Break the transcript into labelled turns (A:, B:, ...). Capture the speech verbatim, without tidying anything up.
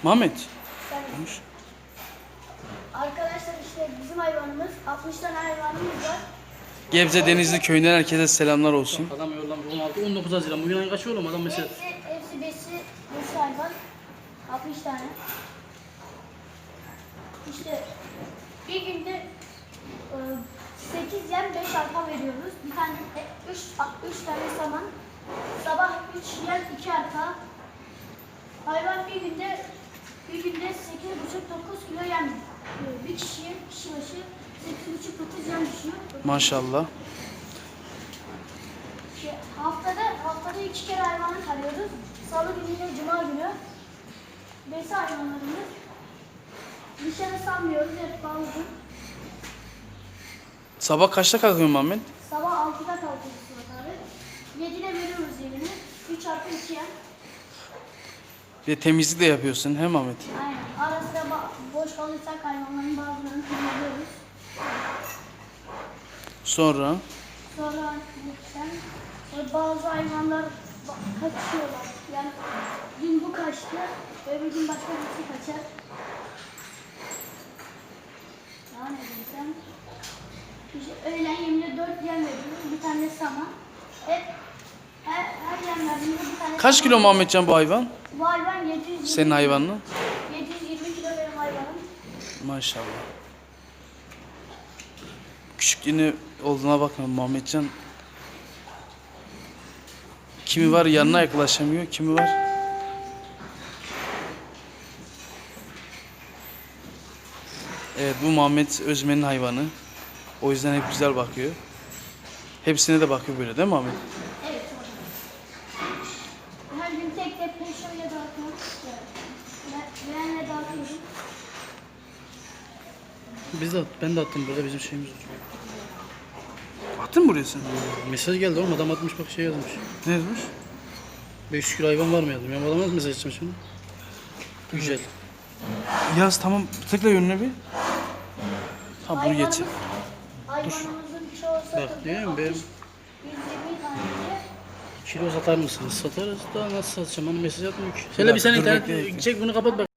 A: Muhammed.
B: Yani
A: Konuş.
B: arkadaşlar işte bizim hayvanımız altmış tane hayvanımız var.
A: Gebze Denizli köyünden herkese selamlar olsun.
C: Adam yollamış on altı on dokuz Haziran. Bugün ayın kaçı oğlum adam mesela?
B: Hepsi, hepsi besi, besi hayvan. altmış tane. İşte bir günde e, sekiz yem beş arpa veriyoruz. Bir tane üç tane saman. Sabah üç yem iki arpa. Hayvan bir günde bir günde sekiz buçuk dokuz kilo yem yiyor. Bir kişiye kişi başı sekiz buçuk dokuz yem düşüyor.
A: Maşallah.
B: İşte haftada haftada iki kere hayvanı tarıyoruz. Salı günü ile cuma günü. Besi hayvanlarımız. Dışarı salmıyoruz, hep bağlı.
A: Sabah kaçta kalkıyorsun Muhammed?
B: Sabah altıda kalkıyoruz Suat abi. yedide veriyoruz yemini. üç artı iki yem.
A: Bir de temizlik de yapıyorsun he Muhammed?
B: Aynen. Ara sıra boş kalırsak hayvanların bazılarını temizliyoruz.
A: Sonra
B: Sonra lütfen bazı hayvanlar kaçıyorlar. Yani dün bu kaçtı, öbür gün başka birisi kaçar. Daha ne diyeceğim? İşte öğlen yemine dört yem veriyoruz. Bir tane saman. Hep her, her yem verdiğimizde bir tane
A: kaç
B: saman
A: kilo
B: veriyoruz.
A: Muhammedcan bu hayvan?
B: Bu hayvan yedi yüz yirmi.
A: Senin hayvanın?
B: yedi yüz yirmi kilo benim hayvanım.
A: Maşallah. Küçüklüğünü olduğuna bakma Muhammedcan. Kimi var yanına yaklaşamıyor, kimi var. Evet bu Muhammed Özmen'in hayvanı. O yüzden hep güzel bakıyor. Hepsine de bakıyor böyle değil mi Muhammed?
B: Evet orada. Her gün tek tek peşoyla dağıtıyorum. Ben verenle dağıtıyorum.
C: Biz de ben de attım burada bizim şeyimiz var.
A: Attın mı buraya sen?
C: Mesaj geldi oğlum adam atmış bak şey yazmış.
A: Ne yazmış?
C: beş yüz kilo hayvan var mı yazdım. Ben bu adama nasıl mesaj atacağım şimdi? Güzel.
A: Yaz tamam tıkla yönüne bir. Ha bunu geç.
B: Hayvanımız- Hayvanımızın çoğu satıldı.
C: Bak, değil mi? Benim-
B: yüz yirmi tane.
C: Kilo satar mısınız? Satarız da nasıl satacağım? Hani mesaj atmıyor ki. Şöyle bir sen
A: dur,
C: internet
A: bekle, bekle.
C: çek bunu kapat bak.